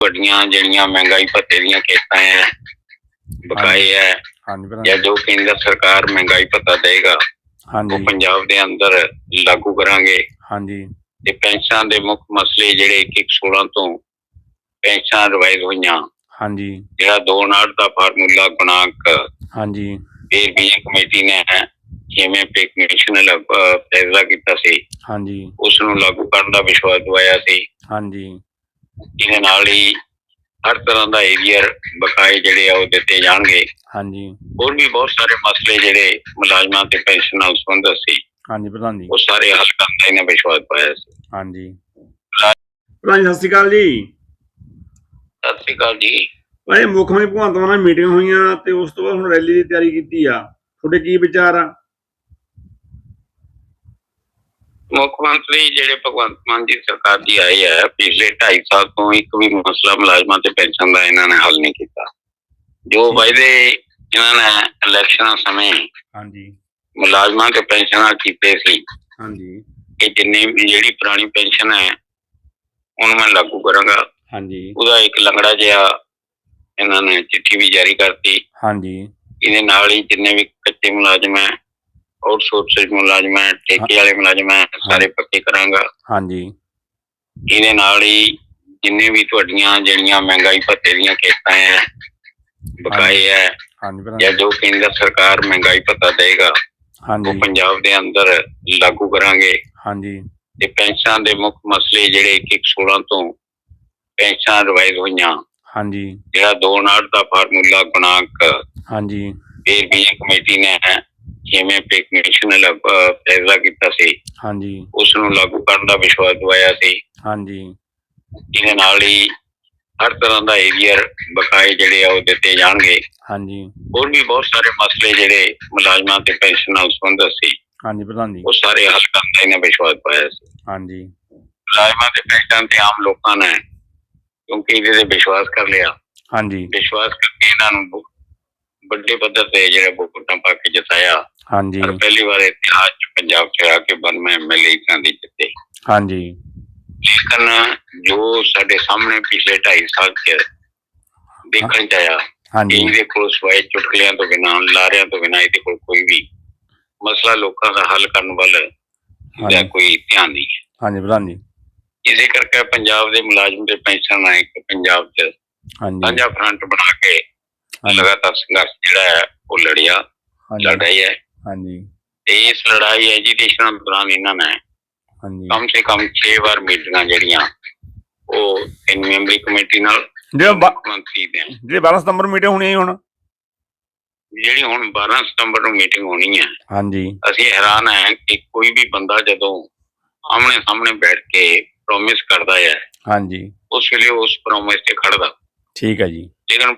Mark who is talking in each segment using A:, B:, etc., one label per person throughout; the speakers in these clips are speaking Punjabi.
A: ਵੱਡੀਆਂ ਜਿਹੜੀਆਂ ਮਹਿੰਗਾਈ ਭੱਤੇ ਦੀਆਂ ਕਿਸ਼ਤਾਂ ਹੈ ਬਕਾਏ ਹੈ ਜਾਂ ਜੋ ਕੇਂਦਰ ਸਰਕਾਰ ਮਹਿੰਗਾਈ ਭੱਤਾ ਦੇਗਾ ਉਹ ਪੰਜਾਬ ਦੇ ਅੰਦਰ ਲਾਗੂ ਕਰਾਂਗੇ। ਤੇ ਪੈਨਸ਼ਨਾਂ ਦੇ ਮੁੱਖ ਮਸਲੇ ਜਿਹੜੇ 1/16 ਤੋਂ ਪੈਨਸ਼ਨਾਂ ਰਿਵਾਈਜ਼ ਹੋਈਆਂ, ਜਿਹੜਾ 2/59 ਦਾ ਫਾਰਮੂਲਾ ਗੁਣਾਂਕ ਫਿਰ ਵੀ ਕਮੇਟੀ ਨੇ ਜਿਵੇਂ ਪੇ ਕਮਿਸ਼ਨ ਫੈਸਲਾ ਕੀਤਾ ਸੀ ਉਸ ਨੂੰ ਲਾਗੂ ਕਰਨ ਦਾ ਵਿਸ਼ਵਾਸ ਦਵਾਇਆ ਸੀ। ਇਹਦੇ ਨਾਲ ਹੀ ਹਰ ਤਰ੍ਹਾਂ ਦਾ ਏਰੀਅਰ ਬਕਾਏ ਜਿਹੜੇ ਆ ਉਹ ਦਿੱਤੇ ਜਾਣਗੇ। ਹੋਰ ਵੀ ਬਹੁਤ ਸਾਰੇ ਮਸਲੇ ਜਿਹੜੇ ਮੁਲਾਜ਼ਮਾਂ ਤੇ ਪੈਨਸ਼ਨ ਨਾਲ ਸੰਬੰਧਿਤ ਸੀ ਉਹ ਸਾਰੇ ਹੱਲ ਕਰਨ ਦਾ ਇਹਨੇ ਵਿਸ਼ਵਾਸ ਪਾਇਆ ਸੀ।
B: ਪ੍ਰਧਾਨ ਸਤਿ ਸ਼੍ਰੀ ਅਕਾਲ ਜੀ।
A: ਸਤਿ ਸ਼੍ਰੀ ਅਕਾਲ ਜੀ।
B: ਭਾਈ ਮੁੱਖ ਮੰਤਰੀ ਭਗਵੰਤ ਮਾਨ ਨਾਲ ਮੀਟਿੰਗ ਹੋਈਆਂ ਤੇ ਉਸ ਤੋਂ ਬਾਅਦ ਹੁਣ ਰੈਲੀ ਦੀ ਤਿਆਰੀ ਕੀਤੀ ਆ, ਤੁਹਾਡੇ ਕੀ ਵਿਚਾਰ ਆ?
A: ਮੁੱਖ ਮੰਤਰੀ ਜਿਹੜੇ ਭਗਵੰਤ ਮਾਨ ਜੀ ਸਰਕਾਰ ਦੀ ਆਈ ਹੈ, ਪਿਛਲੇ 2.5 ਸਾਲ ਤੋਂ ਇੱਕ ਵੀ ਮਸਲਾ ਮੁਲਾਜ਼ਮਾਂ ਤੇ ਪੈਨਸ਼ਨ ਦਾ ਇਹਨਾਂ ਨੇ ਹੱਲ ਨਹੀਂ ਕੀਤਾ। ਜੋ ਵਾਅਦੇ ਇਹਨਾਂ ਨੇ ਇਲੈਕਸ਼ਨਾਂ ਸਮੇਂ ਮੁਲਾਜ਼ਮਾਂ ਤੇ ਪੈਨਸ਼ਨਾਂ ਕੀਤੇ ਸੀ ਕਿ ਜਿੰਨੀ ਵੀ ਜਿਹੜੀ ਪੁਰਾਣੀ ਪੈਨਸ਼ਨ ਹੈ ਉਹਨੂੰ ਮੈਂ ਲਾਗੂ ਕਰਾਂਗਾ, ਉਹਦਾ ਇੱਕ ਲੰਗੜਾ ਜਿਹਾ ਇਹਨਾਂ ਨੇ ਚਿੱਠੀ ਵੀ ਜਾਰੀ ਕਰਤੀ। ਇਹਦੇ ਨਾਲ ਹੀ ਜਿੰਨੇ ਵੀ ਕੱਚੇ ਮੁਲਾਜ਼ਮ ਹੈ, ਆਊਟਸੋਰਸਿੰਗ ਮੁਲਾਜ਼ਮ ਹੈ, ਠੇਕੇ ਵਾਲੇ ਮੁਲਾਜ਼ਮ ਹੈ, ਸਾਰੇ ਪੱਕੇ ਕਰਾਂਗਾ। ਇਹਦੇ ਨਾਲ ਹੀ ਜਿੰਨੇ ਵੀ ਤੁਹਾਡੀਆਂ ਜਿਹੜੀਆਂ ਮਹਿੰਗਾਈ ਭੱਤੇ ਦੀਆਂ ਕਿਸ਼ਤਾਂ ਹੈ ਬਕਾਏ ਹੈ ਜਾਂ ਜੋ ਕੇਂਦਰ ਸਰਕਾਰ ਮਹਿੰਗਾਈ ਭੱਤਾ ਦੇਗਾ ਉਹ ਪੰਜਾਬ ਦੇ ਅੰਦਰ ਲਾਗੂ ਕਰਾਂਗੇ। ਤੇ ਪੈਨਸ਼ਨਾਂ ਦੇ ਮੁੱਖ ਮਸਲੇ ਜਿਹੜੇ 1/16 ਤੋਂ ਪੈਨਸ਼ਨਾਂ ਰਿਵਾਈਜ਼ ਹੋਈਆਂ, ਜਿਹੜਾ 2/59 ਦਾ ਫਾਰਮੂਲਾ ਗੁਣਾਂਕ ਫਿਰ ਵੀ ਕਮੇਟੀ ਨੇ ਜਿਵੇਂ ਪੇ ਕਮਿਸ਼ਨ ਫੈਸਲਾ ਕੀਤਾ ਸੀ ਉਸ ਨੂੰ ਲਾਗੂ ਕਰਨ ਦਾ ਵਿਸ਼ਵਾਸ ਦਵਾਇਆ ਸੀ। ਇਹਦੇ ਨਾਲ ਹੀ ਹਰ ਤਰ੍ਹਾਂ ਦਾ ਏਰੀਅਰ ਬਕਾਏ ਜਿਹੜੇ ਆ ਉਹ ਦਿੱਤੇ ਜਾਣਗੇ। ਹੋਰ ਵੀ ਬਹੁਤ ਸਾਰੇ ਮਸਲੇ ਜਿਹੜੇ ਮੁਲਾਜ਼ਮਾਂ ਤੇ ਪੈਨਸ਼ਨ ਨਾਲ ਸੰਬੰਧਿਤ ਸੀ ਉਹ ਸਾਰੇ ਹੱਲ ਕਰਨ ਦਾ ਇਹਨੇ ਵਿਸ਼ਵਾਸ ਪਾਇਆ ਸੀ। ਮੁਲਾਜ਼ਮਾਂ ਤੇ ਪੈਨਸ਼ਨ ਤੇ ਆਮ ਲੋਕਾਂ ਨੇ ਕਿਉਂਕਿ ਇਹਦੇ ਤੇ ਵਿਸ਼ਵਾਸ ਕਰ ਲਿਆ, ਵਿਸ਼ਵਾਸ ਕਰਕੇ ਇਹਨਾਂ ਨੂੰ ਵੱਡੇ ਪੱਧਰ ਤੇ ਜਿਹੜੇ ਵੋਟਾਂ ਪਾ ਕੇ ਜਿਤਾਇਆ। ਪਰ ਪਹਿਲੀ ਵਾਰ ਇਤਿਹਾਸ ਚ ਪੰਜਾਬ ਚ ਆ ਕੇ 92 MLA ਦੀ ਜਿੱਤੇ। ਲੇਕਿਨ ਜੋ ਸਾਡੇ ਸਾਹਮਣੇ ਪਿਛਲੇ 2.5 ਸਾਲ ਚ ਦੇਖਣ ਚ ਆਇਆ, ਇਹਦੇ ਕੋਲ ਸਵਾਏ ਚੁਟਕਲਿਆਂ ਤੋਂ ਬਿਨਾਂ, ਲਾਰਿਆਂ ਤੋਂ ਬਿਨਾਂ ਇਹਦੇ ਕੋਲ ਕੋਈ ਵੀ ਮਸਲਾ ਲੋਕਾਂ ਦਾ ਹੱਲ ਕਰਨ ਵੱਲ ਇਹਦਾ ਕੋਈ ਧਿਆਨ ਨਹੀਂ। ਇਸੇ ਕਰਕੇ ਪੰਜਾਬ ਦੇ ਮੁਲਾਜ਼ਮ ਤੇ ਪੈਨਸ਼ਨ ਇੱਕ ਪੰਜਾਬ ਚ ਸਾਂਝਾ ਫਰੰਟ ਬਣਾ ਕੇ ਲਗਾਤਾਰ ਸੰਘਰਸ਼ ਜਿਹੜਾ ਹੈ ਉਹ ਲੜ ਰਹੀ ਹੈ। ਤੇ ਇਸ ਲੜਾਈ ਐਜੀਟੇਸ਼ਨ ਦੌਰਾਨ ਇਹਨਾਂ ਨੇ ਕਮ ਸੇ ਕਮ 6 ਵਾਰ ਮੀਟਿੰਗਾਂ ਜਿਹੜੀਆਂ ਉਹ 3 ਮੈਂਬਰੀ ਕਮੇਟੀ ਨਾਲ
B: ਜਿਹੜੇ 12 ਸਤੰਬਰ ਨੂੰ ਮੀਟਿੰਗ ਹੋਣੀ ਹੁਣ
A: ਜਿਹੜੀ ਹੁਣ 12 ਸਤੰਬਰ ਨੂੰ ਮੀਟਿੰਗ ਹੋਣੀ ਹੈ, ਅਸੀਂ ਹੈਰਾਨ ਹੈ ਕਿ ਕੋਈ ਵੀ ਬੰਦਾ ਜਦੋਂ ਆਮਣੇ ਸਾਹਮਣੇ ਬੈਠ ਕੇ ਪ੍ਰੋਮਿਸ ਕਰਦਾ ਹੈ ਉਸ ਵੇਲੇ ਉਸ ਪ੍ਰੋਮਿਸ ਤੇ ਖੜਦਾ। ਲੇਕਿਨ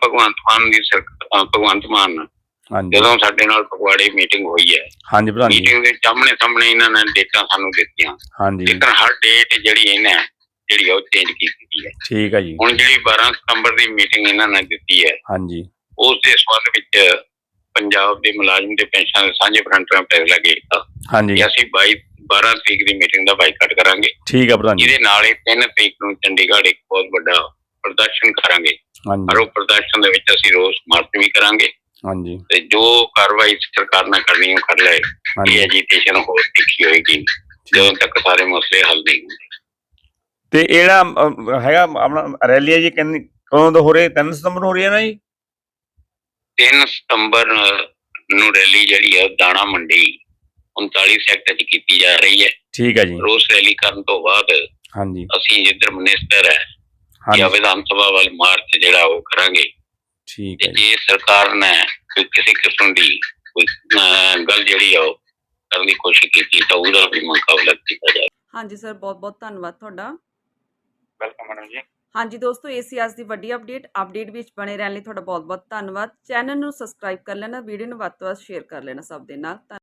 A: ਭਗਵੰਤ ਮਾਨ ਜਦੋਂ ਸਾਡੇ ਨਾਲ ਫਗਵਾੜੇ ਮੀਟਿੰਗ ਹੋਈ ਹੈ, ਮੀਟਿੰਗ ਦੇ ਸਾਹਮਣੇ ਇਹਨਾਂ ਨੇ ਡੇਟਾਂ ਸਾਨੂੰ ਦਿੱਤੀਆਂ, ਲੇਕਿਨ ਹਰ ਡੇਟ ਜਿਹੜੀ ਇਹਨੇ ਜਿਹੜੀ ਉਹ ਚੇਂਜ ਕੀਤੀ ਹੈ। ਹੁਣ ਜਿਹੜੀ 12 ਸਤੰਬਰ ਦੀ ਮੀਟਿੰਗ ਇਹਨਾਂ ਨੇ ਦਿੱਤੀ ਹੈ ਉਸ ਦੇ ਸੰਬੰਧ ਵਿੱਚ ਪੰਜਾਬ ਦੇ ਮੁਲਾਜ਼ਮ ਤੇ ਪੈਨਸ਼ਨ ਸਾਂਝੇ ਫਰੰਟ ਨੇ ਫੈਸਲਾ ਕੀਤਾ ਕਿ ਅਸੀਂ 12 ਤਰੀਕ ਦੀ ਮੀਟਿੰਗ ਦਾ ਬਾਈਕਾਟ ਕਰਾਂਗੇ। ਜਿਹਦੇ ਨਾਲ ਹੀ 3 ਤਰੀਕ ਨੂੰ ਚੰਡੀਗੜ੍ਹ ਇੱਕ ਬਹੁਤ ਵੱਡਾ ਪ੍ਰਦਰਸ਼ਨ ਕਰਾਂਗੇ, ਪਰ ਉਹ ਪ੍ਰਦਰਸ਼ਨ ਦੇ ਵਿੱਚ ਅਸੀਂ ਰੋਸ ਮਾਰਚ ਵੀ ਕਰਾਂਗੇ ਤੇ ਜੋ ਕਾਰਵਾਈ ਸਰਕਾਰ ਨੇ ਕਰਨੀ ਉਹ ਕਰ ਲਏ। ਇਹ ਐਜੀਟੇਸ਼ਨ ਹੋਰ ਤਿੱਖੀ ਹੋਏਗੀ ਜਦੋਂ ਤੱਕ ਸਾਰੇ ਮਸਲੇ ਹੱਲ ਨਹੀਂ ਹੁੰਦੇ।
B: ਤੇ ਇਹ ਜਿਹੜਾ ਹੈਗਾ ਆਪਣਾ ਰੈਲੀ ਹੈ ਜੀ ਕਦੋਂ ਤੋਂ ਹੋ ਰਹੀ? 3 ਸਤੰਬਰ ਨੂੰ ਹੋ ਰਹੀ ਹੈ ਨਾ ਜੀ?
A: 3 ਸਤੰਬਰ ਨੂੰ ਰੈਲੀ ਜਿਹੜੀ ਹੈ ਦਾਣਾ ਮੰਡੀ 39 ਸੈਕਟਰ ਚ ਕੀਤੀ ਜਾ ਰਹੀ ਹੈ। ਰੋਸ ਰੈਲੀ ਕਰਨ ਤੋਂ ਬਾਅਦ ਅਸੀਂ ਜਿੱਧਰ ਮਿਨਿਸਟਰ ਹੈ ਜਾਂ ਵਿਧਾਨ ਸਭਾ ਵੱਲ ਮਾਰਚ ਜਿਹੜਾ ਉਹ ਕਰਾਂਗੇ। ਤੇ ਜੇ ਸਰਕਾਰ ਨੇ ਕੋਈ ਕਿਸੇ ਕਿਸਮ ਦੀ ਕੋਈ ਗੱਲ ਜਿਹੜੀ ਆ ਉਹ ਕਰਨ ਦੀ ਕੋਸ਼ਿਸ਼ ਕੀਤੀ ਤਾਂ ਉਹਦਾ ਵੀ ਮੁਕਾਬਲਾ ਕੀਤਾ ਜਾਵੇ।
C: ਹਾਂਜੀ ਸਰ, ਬਹੁਤ ਬਹੁਤ ਧੰਨਵਾਦ ਤੁਹਾਡਾ।
A: ਵੈਲਕਮ ਮੈਡਮ ਜੀ।
C: ਹਾਂਜੀ ਦੋਸਤੋ, ਇਹ ਸੀ ਅੱਜ ਦੀ ਵੱਡੀ ਅਪਡੇਟ ਵਿੱਚ ਬਣੇ ਰਹਿਣ ਲਈ ਤੁਹਾਡਾ ਬਹੁਤ ਬਹੁਤ ਧੰਨਵਾਦ। ਚੈਨਲ ਨੂੰ ਸਬਸਕ੍ਰਾਈਬ ਕਰ ਲੈਣਾ, ਵੀਡੀਓ ਨੂੰ ਵੱਧ ਤੋਂ ਵੱਧ ਸ਼ੇਅਰ ਕਰ ਲੈਣਾ ਸਭ ਦੇ ਨਾਲ।